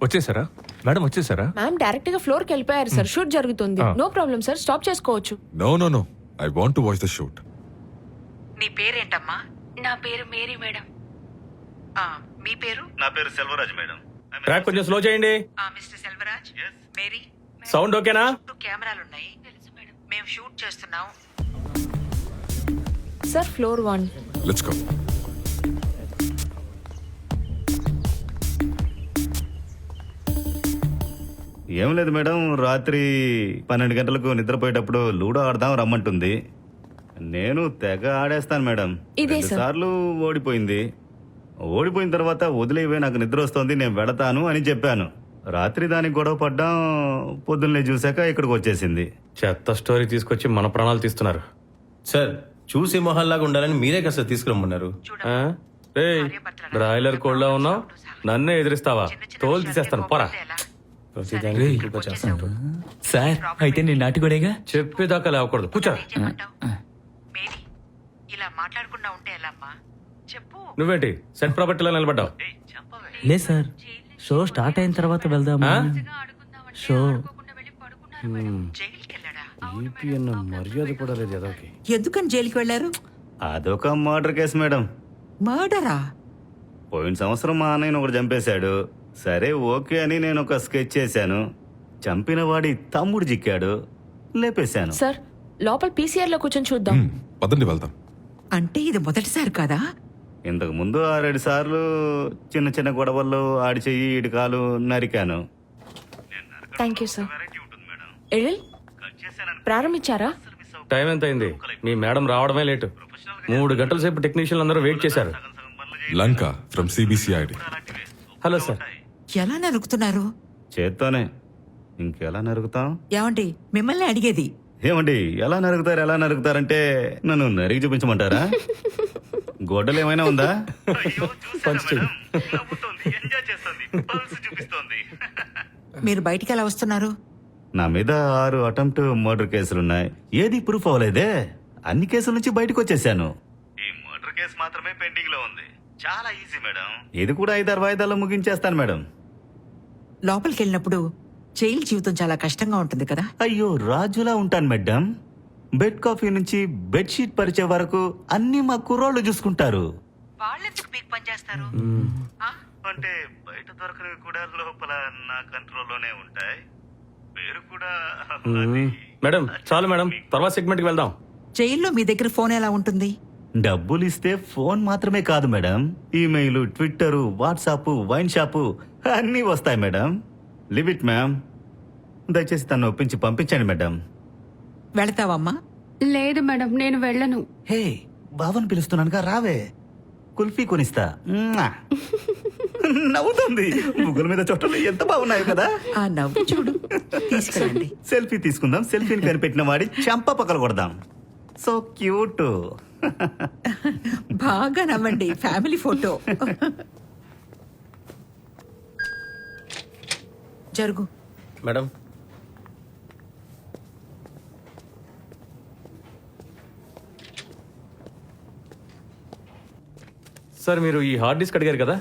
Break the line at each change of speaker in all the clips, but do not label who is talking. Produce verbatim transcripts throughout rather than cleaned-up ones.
వచ్చేసారా మేడం? వచ్చేసారా?
Ma'am direct గా ఫ్లోర్ కి వెళ్ళిపోయారు సార్. షూట్ జరుగుతుంది. నో ప్రాబ్లం సార్, స్టాప్ చేసుకోవచ్చు.
No no no I want to watch the shoot.
నీ పేరేంటమ్మా?
నా పేరు మేరీ మేడం.
ఆ, మీ పేరు?
నా పేరు సెల్వరాజ్ మేడం.
ట్రాక్ కొంచెం స్లో చేయండి.
ఆ, మిస్టర్ సెల్వరాజ్. మేరీ.
సౌండ్ ఓకేనా?
చుట్టూ కెమెరాలు ఉన్నాయి. తెలుసు మేడం. మేము షూట్ చేస్తున్నాం.
Sir floor one.
Let's go.
ఏం లేదు మేడం, రాత్రి పన్నెండు గంటలకు నిద్రపోయేటప్పుడు లూడో ఆడదాం రమ్మంటుంది. నేను తెగ ఆడేస్తాను మేడం.
ఇదే
రెండు
సార్.
సార్లు ఓడిపోయింది. ఓడిపోయిన తర్వాత వదిలేవే, నాకు నిద్ర వస్తుంది, నేను వెళతాను అని చెప్పాను. రాత్రి దానికి గొడవ పడ్డాం. పొద్దున్నే చూశాక ఇక్కడికి వచ్చేసింది.
చెత్త స్టోరీ తీసుకొచ్చి మన ప్రాణాలు తీస్తున్నారు.
సార్ చూసి మొహల్లాగా ఉండాలని మీరే కదా సార్ తీసుకురమ్మన్నారు.
ఆ? ఏయ్, బ్రాయిలర్ కోళ్ళ ఉన్నావు, నన్నే ఎదిరిస్తావా? తోలు తీసేస్తాను, పోరా.
సార్ అయితే నేను నాటుకోడేగా.
చెప్పేదాకా లేవకూడదు, కూర్చోరా.
మేరీ, ఇలా మాట్లాడకుండా ఉంటే ఎలా అమ్మా? చెప్పు.
నువ్వేంటి సెట్ ప్రాపర్టీలో నిలబడ్డావు?
లేదు సార్, షో స్టార్ట్ అయిన తర్వాత వెళ్దామా? షో
జైలుకి వెళ్ళాడా?
మర్యాద కూడా లేదు ఎదోకి.
ఎందుకని జైలుకి వెళ్లారు?
అదొక మర్డర్ కేసు మేడం.
మర్డరా?
పోయిన సంవత్సరం మా అన్నయ్యను ఒకటి చంపేశాడు. సరే ఓకే అని నేను ఒక స్కెచ్ చేశాను. చంపిన వాడి తమ్ముడు చిక్కాడు, లేపేశాను.
సార్ లోపల పీసీఆర్ లో కూర్చొని చూద్దాం.
మ్మ్, పదండి వెళ్దాం.
అంటే ఇది మొదటిసారి కాదా?
ఇంతకు ముందు ఆరేడు సార్లు చిన్న చిన్న గొడవల్లో ఆడి చెయ్యి ఇటు కాలు నరికాను.
Thank you sir. ఎழிల్ ప్రారంభించారా?
టైం ఎంత అయింది? మీ మేడం రావడమే లేటు. మూడు గంటల సేపు టెక్నీషియన్లు అందరూ వెయిట్ చేశారు.
Lanka from CBCID.
Hello sir.
ఎలా నరుకుతున్నారు?
చేత్తోనే. ఇంకెలా నరుగుతాం?
ఏమండి మిమ్మల్ని అడిగేది.
ఏమండి ఎలా నరుగుతారు ఎలా నరుగుతారంటే నన్ను నరిగి చూపించమంటారా? గొడ్డలు ఏమైనా ఉందా?
మీరు బయటికి ఎలా వస్తున్నారు?
నా మీద ఆరు అటెంప్ట్ మర్డర్ కేసులున్నాయి. ఏది ప్రూఫ్ అవ్వలేదే. అన్ని కేసుల నుంచి బయటకు వచ్చేసాను. ఈ మర్డర్ కేసు మాత్రమే పెండింగ్ లో ఉంది. చాలా ఈజీ మేడం. ఇది కూడా ఐదారు వాయిదాల్లో ముగించేస్తాను మేడం.
లోపలికి వెళ్ళినప్పుడు జైలు జీవితం చాలా కష్టంగా ఉంటుంది కదా?
అయ్యో రాజులా ఉంటాను మేడం. బెడ్ కాఫీ నుంచి బెడ్షీట్ పరిచే వరకు అన్ని మా కుర్రోళ్ళు చూసుకుంటారు.
వాళ్ళెందుకు మీకు పనిచేస్తారు? ఆ?
అంటే బయట దొరకనివి కూడా లోపల నా కంట్రోల్లోనే ఉంటాయి. పేరు కూడా
మేడం చాలు మేడం, తర్వాత సెగ్మెంట్ కి వెళ్దాం.
జైల్లో మీ దగ్గర ఫోన్ ఎలా ఉంటుంది?
డబ్బులు ఇస్తే ఫోన్ మాత్రమే కాదు madam, email, Twitter, WhatsApp, wine shop అన్నీ వస్తాయి మేడం. Live it ma'am. దయచేసి తను ఒప్పించి పంపించండి మేడం.
వెళతావమ్మా?
లేదు మేడం, నేను వెళ్ళను.
హే బావని పిలుస్తున్నానుగా, రావే. కుల్ఫీ కొనిస్తా. మ్వా. నవ్వుతుంది. ముగ్గుల మీద చోటలు ఎంత బాగున్నాయి కదా.
ఆ నవ్వు చూడు. తీసుకెళ్ళండి.
సెల్ఫీ తీసుకుందాం. సెల్ఫీని కనిపెట్టిన వాడి చెంప పక్కలు కొడదాం. So cute.
బాగా నవ్వండి. Family photo. జరుగు.
మేడం
సార్ మీరు ఈ హార్డ్ డిస్క్ అడిగారు కదా?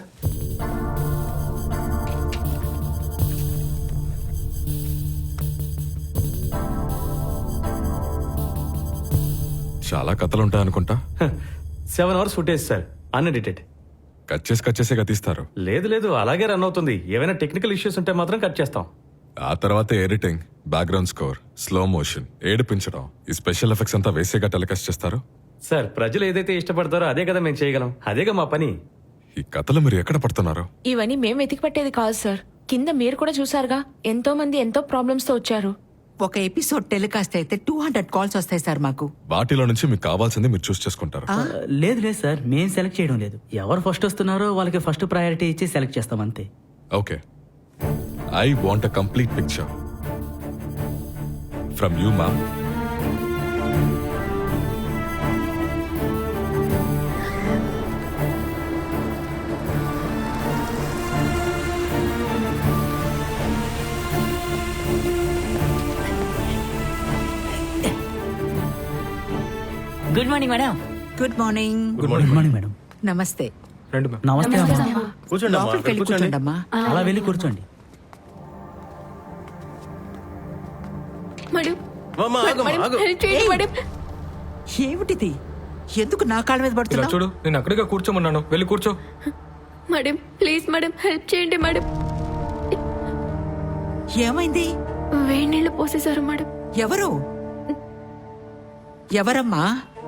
చాలా కథలు ఉంటాయి అనుకుంటా.
Seven hours footage sir, unedited.
Cut చేసి కట్ చేసే తీస్తారు.
లేదు లేదు, అలాగే రన్ అవుతుంది. ఏమైనా టెక్నికల్ ఇష్యూస్ ఉంటే మాత్రం కట్ చేస్తాం.
ఆ తర్వాత editing, background score, slow motion, ఏడిపించడం, ఈ స్పెషల్ ఎఫెక్ట్స్ అంతా వేసేగా టెలికాస్ట్ చేస్తారు.
సార్ ప్రజలు ఏదైతే ఇష్టపడతారో అదే కదా మేము చేయగలం. అదేగా మా పని.
ఈ కథలు మీరు ఎక్కడ పడుతున్నారు?
ఇవన్నీ మేము వెతికి పట్టేది కాదు సార్. కింద మీరు కూడా చూసారుగా, ఎంతో మంది ఎంతో ప్రాబ్లమ్స్ తో వచ్చారు.
ఒక ఎపిసోడ్ టెలికాస్ట్ అయితే టూ హండ్రెడ్ కాల్స్ వస్తాయి సార్ మాకు.
వాటిలో నుంచి మీకు కావాల్సింది మీరు చూస్ చేసుకుంటారు.
లేదు లేదు సార్, మేము సెలెక్ట్ చేయడం లేదు. ఎవరు ఫస్ట్ వస్తున్నారో వాళ్ళకి ఫస్ట్ ప్రయారిటీ ఇచ్చి సెలెక్ట్ చేస్తాం అంతే.
Okay, I want a complete picture from you ma'am.
Good morning madam.
Good morning.
Good morning.
Good morning madam.
నమస్తే.
రండి మ్యామ్.
నమస్తే అమ్మా.
కూర్చోండి అమ్మా,
లోపలికి వెళ్ళి
కూర్చోండి.
కూర్చోండి అమ్మా.
అలా వెళ్ళి కూర్చోండి.
అమ్మా, ఆగమ్మా,
మేడం,
ఆగు.
హెల్ప్ చేయండి మేడం.
ఏమిటిది ఎందుకు నా కాళ్ళ మీద
ఇలా
పడుతున్నావు
చూడు నేను అక్కడిగా కూర్చోమన్నాను వెళ్ళి కూర్చో
మేడం ప్లీజ్ మేడం హెల్ప్ చేయండి మేడం.
ఏమైంది
వేడి నీళ్ళు పోసేశారు మేడం.
ఎవరు ఎవరమ్మా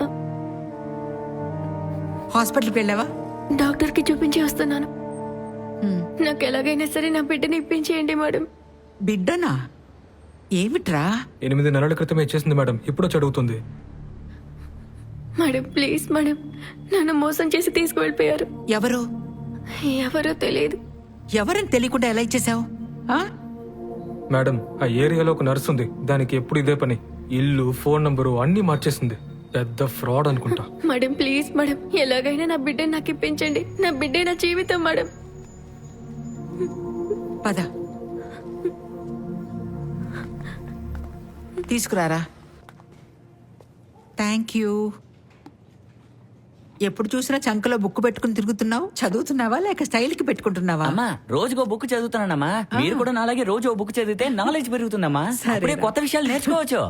హాస్పిటల్కి వెళ్ళావా
డాక్టర్ కి చూపించి వస్తున్నాను.
హ్మ్.
నాకు ఎలాగైనా సరే నా బిడ్డని ఇప్పించేయండి మేడం.
బిడ్డనా ఏమిట్రా
ఎనిమిది నెలల క్రితమే ఇచ్చేసింది మేడం ఇప్పుడు చదువుతుంది
మేడం ప్లీజ్ మేడం నన్ను మోసం చేసి తీసుకువెళ్ళిపోయారు.
ఎవరు
ఎవరో తెలియదు.
ఎవరని తెలియకుండా ఎలా ఇచ్చేసావు
మేడం ఆ ఏరియాలో ఒక నర్స్ ఉంది దానికి ఎప్పుడు ఇదే పని ఇల్లు ఫోన్ నంబరు అన్ని మార్చేసింది పెద్ద ఫ్రాడ్ అనుకుంటా
మేడం ప్లీజ్ మేడం ఎలాగైనా నా బిడ్డని నాకు ఇప్పించండి. నా బిడ్డే నా జీవితం మేడం.
పద తీసుకురారా థ్యాంక్ యూ ఎప్పుడు చూసినా చంకలో బుక్ పెట్టుకుని తిరుగుతున్నావు చదువుతున్నావా లేక స్టైల్కి పెట్టుకుంటున్నావా
అమ్మా రోజుకో బుక్ చదువుతానమ్మా మీరు కూడా నాలాగే రోజు ఓ బుక్ చదివితే నాలెడ్జ్ పెరుగుతుందమ్మా
సరేరా.
అప్పుడే కొత్త విషయాలు నేర్చుకోవచ్చు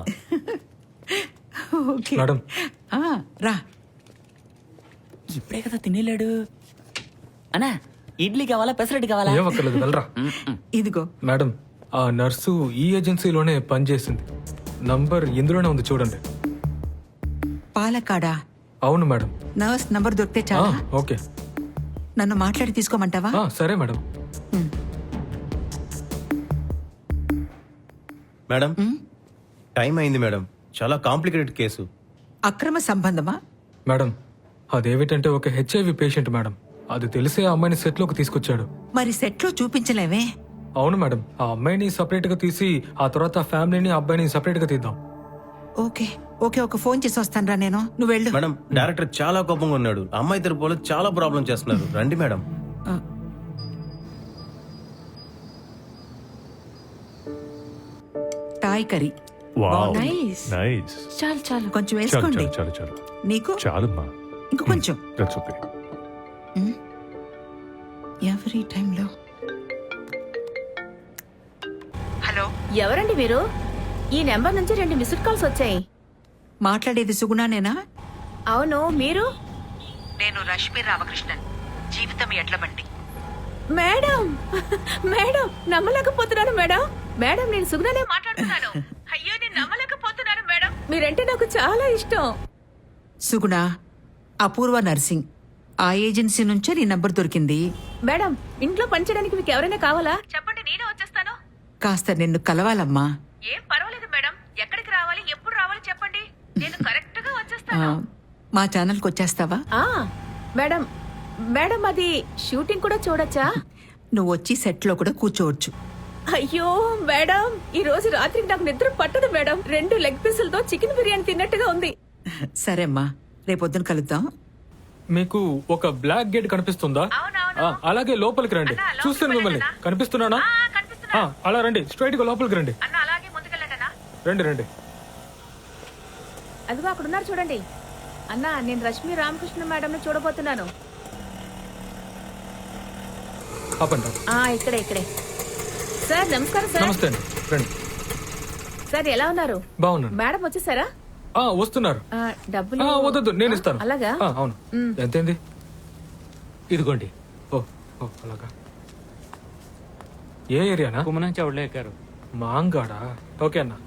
ఓకే
మేడం
ఆ, రా
ఇప్పుడే కదా తినేలేడు అన్నా ఇడ్లీ కావాలా పెసరట్టు కావాలా
ఏం అక్కర్లేదు వెళ్ళరా
ఇదిగో
మేడం ఆ నర్సు ఈ ఏజెన్సీలోనే పనిచేసింది నంబర్ ఇందులోనే ఉంది చూడండి
పాలకాడా
అవును మేడం
నర్స్ నంబర్ దొరికితే
ఆ,
చాలా
ఓకే
నన్ను మాట్లాడి తీసుకోమంటావా
ఆ, సరే మేడం
మేడం టైం అయింది మేడం చాలా కాంప్లికేటెడ్ కేసు.
అక్రమ సంబంధమా
మేడం అదేమిటంటే ఒక హెచ్ఐవి పేషెంట్ మేడం అది తెలిసే ఆ అమ్మాయిని సెట్లోకి తీసుకొచ్చాడు
మరి సెట్లో చూపించలేవే
అవును మేడం ఆ అమ్మాయిని సపరేట్ గా తీసి ఆ తర్వాత ఆ ఫ్యామిలీని ఆ అబ్బాయిని సపరేట్ గా తీద్దాం
ఓకే ఓకే ఒక ఫోన్ చేసి వస్తాను రా నేను నువ్వు వెళ్ళు
మేడం డైరెక్టర్ చాలా కోపంగా ఉన్నాడు. అమ్మాయి తరపులో చాలా ప్రాబ్లం చేస్తున్నారు. రండి మేడం.
ఆ. టాయ్ కర్రీ
నైస్
నైస్
చాలు చాలు
కొంచెం
చాలు
వేసుకోండి
చాలు చాలు చాలు
నీకు
చాలమ్మా
ఇంక కొంచెం
దట్స్ ఓకే
ఎవరి టైంలో హలో
ఎవరండి మీరు ఈ నెంబర్ నుంచి రెండు మిస్డ్ కాల్స్ వచ్చాయి.
మాట్లాడేది సుగుణానేనా
అవును మీరు
నేను రష్మి రామకృష్ణన్, జీవితం ఎడ్ల బండి.
మేడం మేడం నమ్మలేకపోతున్నాను మేడం మేడం నేను సుగుణనే మాట్లాడుతున్నాను. అయ్యో నేను నమ్మలేకపోతున్నాను మేడం మీరంటే నాకు చాలా ఇష్టం.
సుగుణ అపూర్వ నర్సింగ్ ఆ ఏజెన్సీ నుంచే నీ నంబర్ దొరికింది
మేడం ఇంట్లో పనిచేయడానికి మీకు ఎవరైనా కావాలా చెప్పండి నేనే వచ్చేస్తాను.
కాస్త నిన్ను కలవాలమ్మా
ఏం పర్వాలేదు మేడం ఎక్కడికి రావాలి ఎప్పుడు రావాలి చెప్పండి నేను కరెక్ట్ గా
ఆ,
వచ్చేస్తాను.
మా ఛానల్కి వచ్చేస్తావా
ఆ మేడం మేడం అది షూటింగ్ కూడా చూడొచ్చా?
నువ్వు వచ్చి సెట్లో కూడా కూర్చోవచ్చు
అయ్యో మేడం ఈ రోజు రాత్రికి నాకు నిద్ర పట్టదు మేడం. రెండు లెగ్ పీసులతో చికెన్ బిర్యానీ తిన్నట్టుగా ఉంది.
సరే అమ్మా రేపొద్దున కలుద్దాం
మీకు ఒక బ్లాక్ గేట్ కనిపిస్తుందా ఆ, అలాగే లోపలికి రండి చూస్తాను మిమ్మల్ని కనిపిస్తున్నానా ఆ, అలా రండి స్ట్రైట్ గా లోపలికి రండి
అన్న అలాగే ముందుకెళ్ళండి.
రండి రండి
అదిగో అక్కడ ఉన్నారు చూడండి. అన్న నేను రష్మి రామకృష్ణ మేడం ని చూడబోతున్నాను.
ఆపండి
ఆ ఇక్కడే ఇక్కడే. సార్ నమస్కారం సార్.
నమస్తే అండి రండి
సార్ ఎలా ఉన్నారు?
బాగున్నాను
మేడం వచ్చేసారా?
ఆ, వస్తున్నారు
ఆ, డబ్బులు
ఆ, వద్దొద్దు నేను ఇస్తాను
అలాగా
ఆ, అవును
మ్.
ఎంతైంది
ఇదిగోండి
ఓ ఓ అలాగా ఏ ఏరియానా
కుమ్మనంచి అవుట్లే ఎక్కారు
మాంగాడా ఓకే అన్న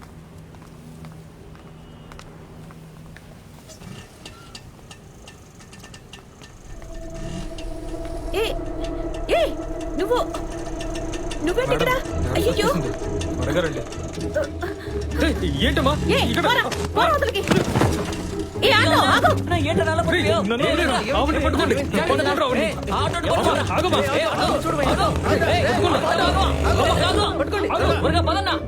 ఏ ఏ నువ్వు నువ్వేంటి ఇక్కడ?
మేడం,
అయ్యో
వచ్చేసింది. త్వరగా రండి ఏయ్, ఏంటమ్మా
ఏ
ఇక్కడ
పోరా, పోరా అవతలికి. ఏ ఆగు, ఆగు.
రేయ్, నన్ను వదిలేరా? ఆవిడ్ని పట్టుకోండి. పట్టుకోండి, ఆవిడ్ని. ఆగమ్మా, ఆగమ్మా.